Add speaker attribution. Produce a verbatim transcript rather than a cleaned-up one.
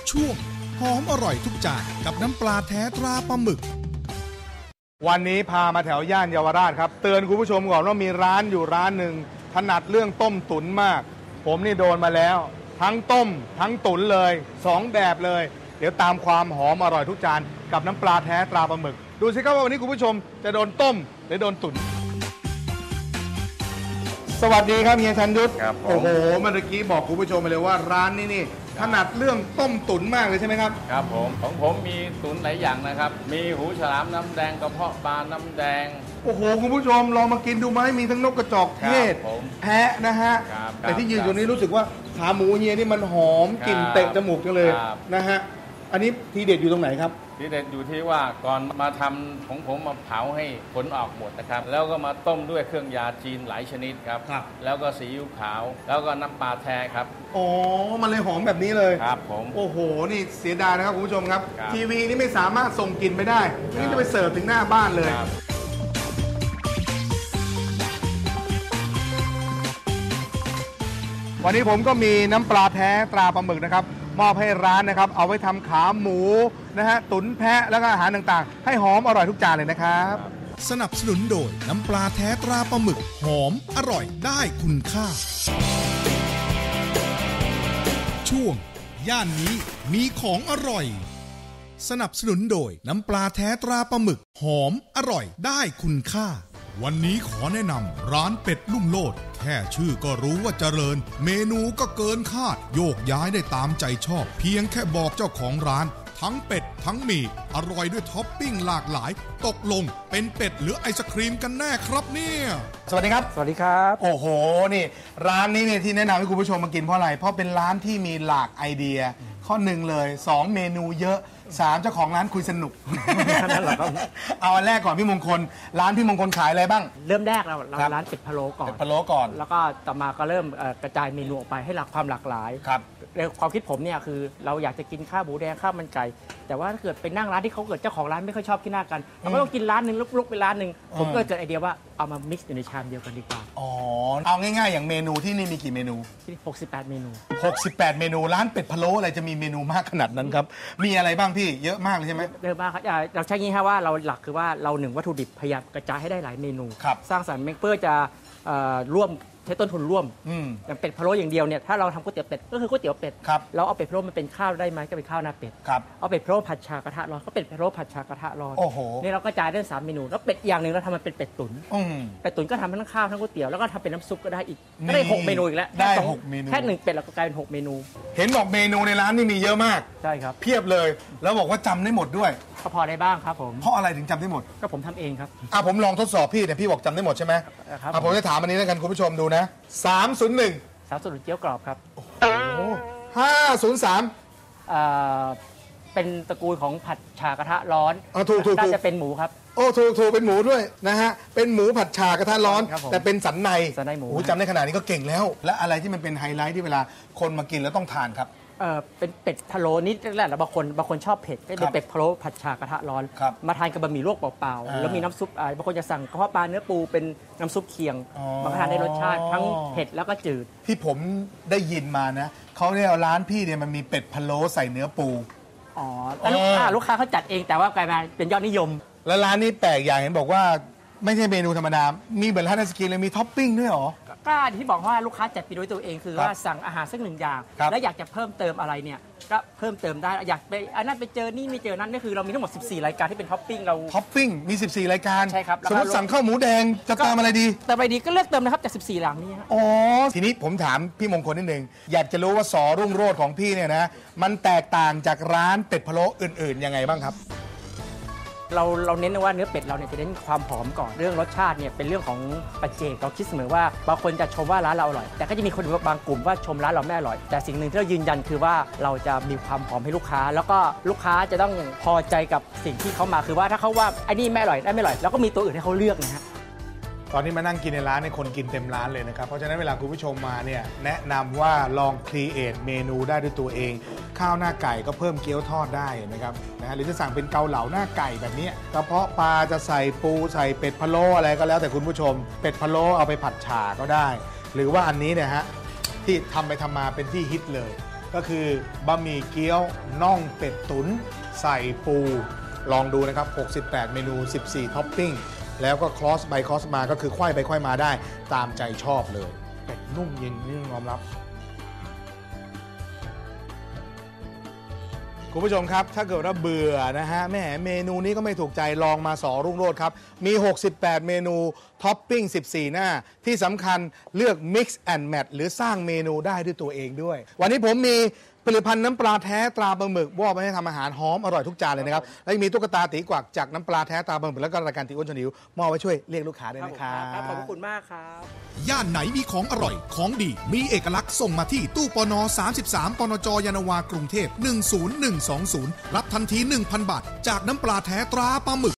Speaker 1: ช่วงหอมอร่อยทุกจานกับน้ำปลาแท้ตราปลาหมึก
Speaker 2: วันนี้พามาแถวย่านเยาวราชครับเตือนคุณผู้ชมก่อนว่ามีร้านอยู่ร้านหนึ่งถนัดเรื่องต้มตุ๋นมากผมนี่โดนมาแล้วทั้งต้มทั้งตุ๋นเลยสองแบบเลยเดี๋ยวตามความหอมอร่อยทุกจานกับน้ำปลาแท้ตราปลาหมึกดูสิครับว่าวันนี้คุณผู้ชมจะโดนต้มหรือโดนตุ๋นสวัสดีครับเฮียชันยุทธโอ้โหเมื่อกี้บอกคุณผู้ชมไปเลยว่าร้านนี้นี่ถนัดเรื่องต้มตุ๋นมากเลยใช่ไหมครับ
Speaker 3: ครับผมของผมมีตุ๋นหลายอย่างนะครับมีหูฉลามน้ำแดงกระเพาะปลาน้ำแดง
Speaker 2: โอ้โหคุณผู้ชมลองมากินดูไหมมีทั้งนกกระจอกเทศแพะนะฮะแต่ที่ยืนอยู่นี้รู้สึกว่าขาหมูเฮียนี่มันหอมกลิ่นเตะจมูกจังเลยนะฮะอันนี้ทีเด็ดอยู่ตรงไหนครับ
Speaker 3: ทีเด็ดอยู่ที่ว่าก่อนมาทำของผมมาเผาให้ผลออกหมดนะครับแล้วก็มาต้มด้วยเครื่องยาจีนหลายชนิดครับแล้วก็ซีอิ๊วขาวแล้วก็น้ำปลาแท้ครับ
Speaker 2: อ๋อมันเลยหอมแบบนี้เลย
Speaker 3: ครับผม
Speaker 2: โอ้โหนี่เสียดายนะครับคุณผู้ชมครับทีวีนี่ไม่สามารถส่งกลิ่นไปได้นี่จะไปเสิร์ฟถึงหน้าบ้านเลยวันนี้ผมก็มีน้ำปลาแท้ตราปลาหมึกนะครับมอบให้ร้านนะครับเอาไว้ทำขาหมูนะฮะตุ๋นแพะแล้วก็อาหารต่างๆให้หอมอร่อยทุกจานเลยนะครับ
Speaker 1: สนับสนุนโดยน้ำปลาแท้ตราปลาหมึกหอมอร่อยได้คุณค่าช่วงย่านนี้มีของอร่อยสนับสนุนโดยน้ำปลาแท้ตราปลาหมึกหอมอร่อยได้คุณค่าวันนี้ขอแนะนำร้านเป็ดลุ่มโลดแค่ชื่อก็รู้ว่าเจริญเมนูก็เกินคาดโยกย้ายได้ตามใจชอบเพียงแค่บอกเจ้าของร้านทั้งเป็ดทั้งหมี่อร่อยด้วยท็อปปิ้งหลากหลายตกลงเป็นเป็ดหรือไอศครีมกันแน่ครับเนี่ย
Speaker 2: สวัสดีครับ
Speaker 4: สวัสดีครับ
Speaker 2: โอ้โหนี่ร้านนี้เนี่ยที่แนะนำให้คุณผู้ชมมากินเพราะอะไรเพราะเป็นร้านที่มีหลากไอเดียข้อหนึ่งเลยสองเมนูเยอะสามเจ้าของร้านคุยสนุกนั่นแหละครับเอาอันแรกก่อนพี่มงคลร้านพี่มงคลขายอะไรบ้าง
Speaker 4: เริ่มแรกเราเราร้านเป็ดพะโล้ก่อนเป็
Speaker 2: ดพะโล้ก่อน
Speaker 4: แล้วก็ต่อมาก็เริ่มกระจายเมนูออกไปให้หลากความหลากหลาย
Speaker 2: ครับ
Speaker 4: ในความคิดผมเนี่ยคือเราอยากจะกินข้าวหมูแดงข้าวมันไก่แต่ว่าถ้าเกิดไปนั่งร้านที่เขาเกิดเจ้าของร้านไม่ค่อยชอบขี้หน้ากันเราก็ต้องกินร้านหนึ่งลุกๆไปร้านหนึ่งผมก็เกิดไอเดียว่าเอามามิกซ์อยู่ในชามเดียวกันดีกว่า
Speaker 2: อ๋อเอาง่ายๆอย่างเมนูที่นี่มีกี่เมนู
Speaker 4: ที่หกสิบแปดเมนู
Speaker 2: หกสิบแปดเมนูร้านเป็ดพะโล้อะไรจะมีเมนูมากขนาดนั้นครับมีอะไรบ้างพี่เยอะมากเลยใช่ไหม
Speaker 4: เยอะมากครับเราใช้งี้ครับว่าเราหลักคือว่าเราหนึ่งวัตถุดิบพยายามกระจายให้ได้หลายเมนูสร้างสรรค์เพื่อจะร่วมใช้ต้นทุนร่วมอย่างเป็ดพะโล้อย่างเดียวเนี่ยถ้าเราทำก๋วยเตี๋ยวเป็ดก็คือก๋วยเตี๋ยวเป็ดเราเอาเป็ดพะโล้มันเป็นข้าวได้ไหมก็เป็นข้าวหน้าเป็ดเอาเป็ดพะโล้ผัดชากระทะร้อนก็เป็ดพะโล้ผัดชากระทะร้อนนี่เราก็จ่ายได้สามเมนูแล้วเป็ดอย่างหนึ่งเราทำมันเป็นเป็ดตุ๋นเป็ดตุ๋นก็ทำทั้งข้าวทั้งก๋วยเตี๋ยวแล้วก็ทำเป็นน้ำซุปก็ได้อีกก็ได้หกเมนูอีกแล้ว
Speaker 2: ได้หกเมนู
Speaker 4: แค่หนึ่งเป็ดเราก็กลายเป็นหกเมนู
Speaker 2: เห็นบอกเมนูในร้านนี่มีเยอะมาก
Speaker 4: ใช่ครับ
Speaker 2: เพียบเลยแล้วบอกว่าจำได้หมดด้วย
Speaker 4: ก็พอได้บ้างครับผม
Speaker 2: เพราะอะไรถึงจำได้หมด
Speaker 4: ก็ผมทำเองครับ
Speaker 2: อ่ะผมลองทดสอบพี่แต่พี่บอกจำได้หมดใช่ไหมครับอ่ะผมจะถามอันนี้แล้วกันคุณผู้ชมดูนะสามศูนย์หนึ่ง
Speaker 4: สามศูนย์เกี๊ยวกรอบครับ
Speaker 2: ห้าศูนย์สาม
Speaker 4: เป็นตระกูลของผัดฉากระทะร้อน
Speaker 2: อ๋อถูกถูก
Speaker 4: น่าจะเป็นหมูครับ
Speaker 2: โอ้ถูกถูกเป็นหมูด้วยนะฮะเป็นหมูผัดฉากระทะร้อนแต่เป็นสันใน
Speaker 4: สันในหมู
Speaker 2: โอ้จำได้ขนาดนี้ก็เก่งแล้วและอะไรที่มันเป็นไฮไลท์ที่เวลาคนมากินแล้วต้องทานครับ
Speaker 4: เออเป็นเป็ดพะโล้นี่แหละบางคนบางคนชอบเผ็ดก็เป็นเป็ดพะโล้ผัดฉากระทะร้อนมาทานกับบะหมี่ลวกเปล่าๆแล้วมีน้ำซุปบางคนจะสั่งกระเพาะปลาเนื้อปูเป็นน้ำซุปเคียงบางทานได้รสชาติทั้งเผ็ดแล้วก็จืด
Speaker 2: ที่ผมได้ยินมานะเขาเนี่ยร้านพี่เนี่ยมันมีเป็ดพะโล้ใส่เนื้อปู
Speaker 4: อ๋อแต่ลูกค้าลูกค้าเขาจัดเองแต่ว่ากลายมาเป็นยอดนิยม
Speaker 2: แล้วร้านนี้แปลกอย่างเห็นบอกว่าไม่ใช่เมนูธรรมดามีเหมือนร้านไอศกรีมเลยมีท็อปปิ้งด้วยหรอ
Speaker 4: ก็ที่บอกว่าลูกค้าจัดไปด้วยตัวเองคือว่าสั่งอาหารสักหนึ่งอย่างแล้วอยากจะเพิ่มเติมอะไรเนี่ยก็เพิ่มเติมได้อยากไปอันนั้นไปเจอนี่ไม่เจอนั้นนี่คือเรามีทั้งหมดสิบสี่รายการที่เป็นท็อปปิ้งเรา
Speaker 2: ท็อปปิ้งมีสิบสี่รายการ
Speaker 4: ใช่ครับ
Speaker 2: สมมติสั่งข้าวหมูแดงจะเติมอะไรดี
Speaker 4: เติมอะไรดีก็เลือกเติมนะครับจากสิบสี่หลังนี้
Speaker 2: อ๋อทีนี้ผมถามพี่มงคลนิดนึงอยากจะรู้ว่าสอรุ่งโรจน์ของพี่เนี่ยนะมันแตกต่างจากร้านเป็ดพะโล้อื่นๆยังไงบ้างครับ
Speaker 4: เราเราเน้นว่าเนื้อเป็ดเราเนี่ยจะเน้นความหอมก่อนเรื่องรสชาติเนี่ยเป็นเรื่องของปัจเจกเราคิดเสมอว่าบางคนจะชมว่าร้านเราอร่อยแต่ก็จะมีคนบางกลุ่มว่าชมร้านเราไม่อร่อยแต่สิ่งหนึ่งที่เรายืนยันคือว่าเราจะมีความหอมให้ลูกค้าแล้วก็ลูกค้าจะต้องพอใจกับสิ่งที่เขามาคือว่าถ้าเขาว่าไอ้นี่ไม่อร่อยได้ไม่อร่อยแล้วก็มีตัวอื่นให้เขาเลือกนะฮะ
Speaker 2: ตอนที่มานั่งกินในร้านเนี่ยคนกินเต็มร้านเลยนะครับเพราะฉะนั้นเวลาคุณผู้ชมมาเนี่ยแนะนำว่าลองครีเอทเมนูได้ด้วยตัวเองข้าวหน้าไก่ก็เพิ่มเกี๊ยวทอดได้นะครับนะหรือจะสั่งเป็นเกาเหลาหน้าไก่แบบนี้กระเพาะปลาจะใส่ปูใส่เป็ดพะโล้อะไรก็แล้วแต่คุณผู้ชมเป็ดพะโล้เอาไปผัดฉ่าก็ได้หรือว่าอันนี้เนี่ยฮะที่ทำไปทำมาเป็นที่ฮิตเลยก็คือบะหมี่เกี๊ยวน่องเป็ดตุ๋นใส่ปูลองดูนะครับหกสิบแปดเมนูสิบสี่ท็อปปิ้งแล้วก็คลอสไปคลอสมาก็คือควายไปควายมาได้ตามใจชอบเลยเป็ดนุ่มเย็นนี่ยอมรับคุณผู้ชมครับถ้าเกิดว่าเบื่อนะฮะแม่เมนูนี้ก็ไม่ถูกใจลองมาสอรุ่งโรจน์ครับมีหกสิบแปดเมนูท็อปปิ้งสิบสี่หน้าที่สำคัญเลือก Mix and Match หรือสร้างเมนูได้ด้วยตัวเองด้วยวันนี้ผมมีผลิตภัณฑ์น้ำปลาแท้ตราปลาหมึกว่าไปให้ทำอาหารหอมอร่อยทุกจานเลยนะครับและยังมีตุ๊กตาตีกวักจากน้ำปลาแท้ตราปลาหมึกแล้วก็รายการตีอ้วนชวนหิวมอบไว้ช่วยเรียกลูกค้าด้วยนะครับ
Speaker 4: ขอบคุณมากครับ
Speaker 1: ย่านไหนมีของอร่อยของดีมีเอกลักษณ์ส่งมาที่ตู้ปนสามสิบสามปนจยานนาวากรุงเทพหนึ่งศูนย์หนึ่งสองศูนย์รับทันที หนึ่งพัน บาทจากน้ำปลาแท้ตราปลาหมึก